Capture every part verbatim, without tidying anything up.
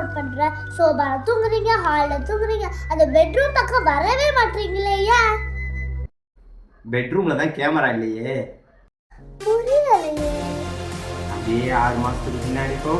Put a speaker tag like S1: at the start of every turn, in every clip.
S1: Upload பண்றேன். சோபால தூங்குறீங்க, ஹால்ல தூங்குறீங்க, அந்த பெட்ரூம் பக்கம் வரவே மாட்டீங்களே. ஏன்?
S2: பெட்ரூம்ல தான் கேமரா இல்லையே.
S1: புரியலையே.
S2: அப்படியே ஆறு மாசத்துக்கு பின்னாடி போ.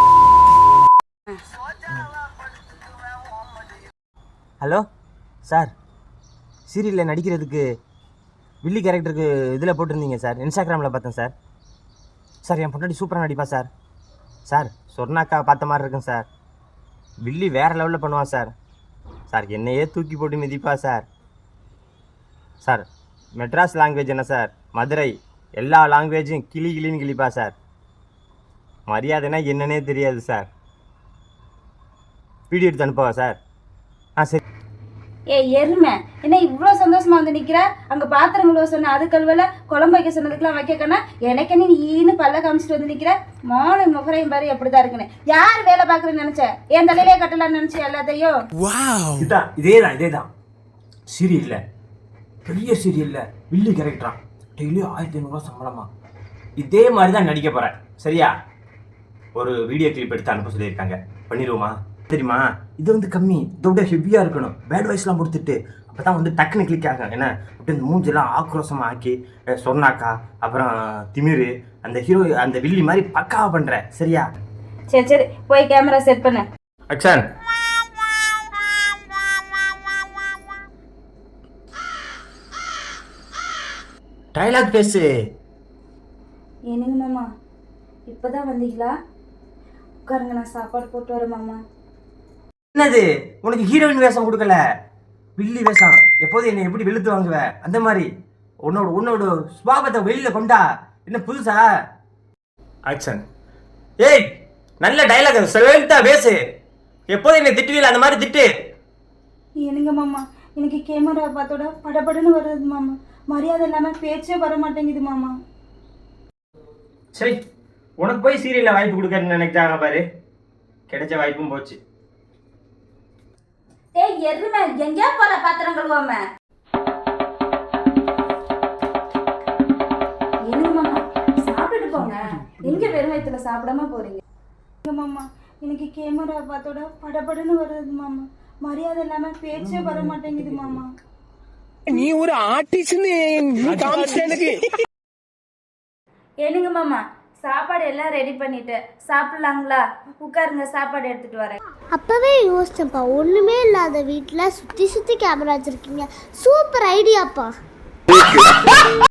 S3: ஹலோ சார், சீரியலில் நடிக்கிறதுக்கு வில்லி கேரக்டருக்கு இதில் போட்டிருந்தீங்க சார், இன்ஸ்டாகிராமில் பார்த்தேன் சார். சார் என் பொண்டாட்டி சூப்பராக நடிப்பா சார். சார் சொர்ணாக்கா பார்த்த மாதிரி இருக்கும் சார். வில்லி வேறு லெவலில் பண்ணுவா சார். சார் என்னையே தூக்கி போட்டு மிதிப்பா சார். சார் மெட்ராஸ் லாங்குவேஜ் என்ன சார், மதுரை எல்லா லாங்குவேஜும் கிளி கிளின்னு கிளிப்பா சார். மரியாதைனா என்னன்னே தெரியாது சார். வீடியோ எடுத்து அனுப்பவா சார்? ஆ சரி.
S4: ஏ எருமை, என்ன இவ்வளோ சந்தோஷமா வந்து நிற்கிற? அங்கே பாத்திரங்களோ சொன்ன அது கல்வல குழம்பு வைக்க சொன்னதுக்கெல்லாம் வைக்கக்கன்னா எனக்கு நீ ஈன்னு பல்ல காமிச்சிட்டு வந்து நிற்கிற. மோனை முகரையும் பாரு எப்படி தான் இருக்குன்னு. யார் வேலை பார்க்குறேன்னு நினச்சேன்? என் தலையிலே கட்டலான்னு நினச்சேன் எல்லாத்தையும்.
S3: இதுதான் இதே தான் இதே தான் சீரியல்ல, பெரிய சீரியல்ல வில்லி கேரக்டரா, டெய்லியும் ஆயிரத்தி ஐநூறுரூவா சம்பளமா. இதே மாதிரி தான் நடிக்க போகிறேன் சரியா? ஒரு வீடியோ கிளிப் எடுத்து அனுப்ப சொல்லியிருக்காங்க, பண்ணிடுவோமா? தெரியுமா, இது வந்து கம்மி, இதோட ஹெவியாக இருக்கணும். பேட் வாய்ஸ்லாம் கொடுத்துட்டு அப்போ தான் வந்து டக்குன்னு கிளிக் ஆகும். ஏன்னா அப்படி இந்த மூஞ்செல்லாம் ஆக்ரோஷமாக ஆக்கி சொர்ணாக்கா அப்புறம் திமிரு அந்த ஹீரோ அந்த வில்லி மாதிரி பக்காவாக பண்ணுறேன் சரியா?
S4: சரி சரி போய் கேமரா செட் பண்ணு.
S3: அக்ஷன். டைலாக் பேசு.
S4: என்னங்க மாமா, இப்போதான் வந்தீங்களா? உட்காருங்க, நான் சாப்பாடு போட்டு வரேன் மாமா.
S3: என்னது உனக்கு ஹீரோயின் வேஷம் கொடுக்கல, வில்லி வேஷம். எப்போதும் என்னை எப்படி வெளுத்து வாங்குவ அந்த மாதிரி உன்னோட உன்னோட சுபாவத்தை வெளியில கொண்டா. என்ன புதுசா? ஆக்ஷன். ஏய் நல்ல டைலாக் செவன்த்தா பேசு. எப்போதும் என்னை திட்டுவீல அந்த மாதிரி திட்டு.
S4: என்னங்க மாமா, எனக்கு கேமரா பார்த்தோட படபடன்னு வருது மாமா. மரியாதை இல்லாமல் பேச்சே வர மாட்டேங்குது மாமா.
S3: சரி, உனக்கு போய் சீரியல்ல வாய்ப்பு கொடுக்கறன்னு நினைச்சாங்க பாரு, கிடைச்ச வாய்ப்பும் போச்சு.
S4: ஏய் எருமை, எங்கேயா போற பாத்திரம் கழுவாம? என்னங்க மாமா, சாப்பிட்டுட்டு போங்க. எங்க வெறும் வயிற்றுல சாப்பிடாம போறீங்க? மாமா எனக்கு கேமரா பார்த்தோட படபடன்னு வருது மாமா. மரியாதை இல்லாம பேச்சே வர மாட்டேங்குது மாமா.
S5: நீ ஒரு ஆர்டிஸ்ட்னு எனக்கு.
S4: என்னங்க மாமா, சாப்பாடு எல்லாம் ரெடி பண்ணிட்டு சாப்பிடலாங்களா? உட்காருங்க, சாப்பாடு எடுத்துட்டு வரேன்.
S1: அப்பவே யோசிச்சேன்ப்பா, ஒண்ணுமே இல்லாத வீட்டுல சுத்தி சுத்தி கேமரா வச்சிருக்கீங்க. சூப்பர் ஐடியாப்பா.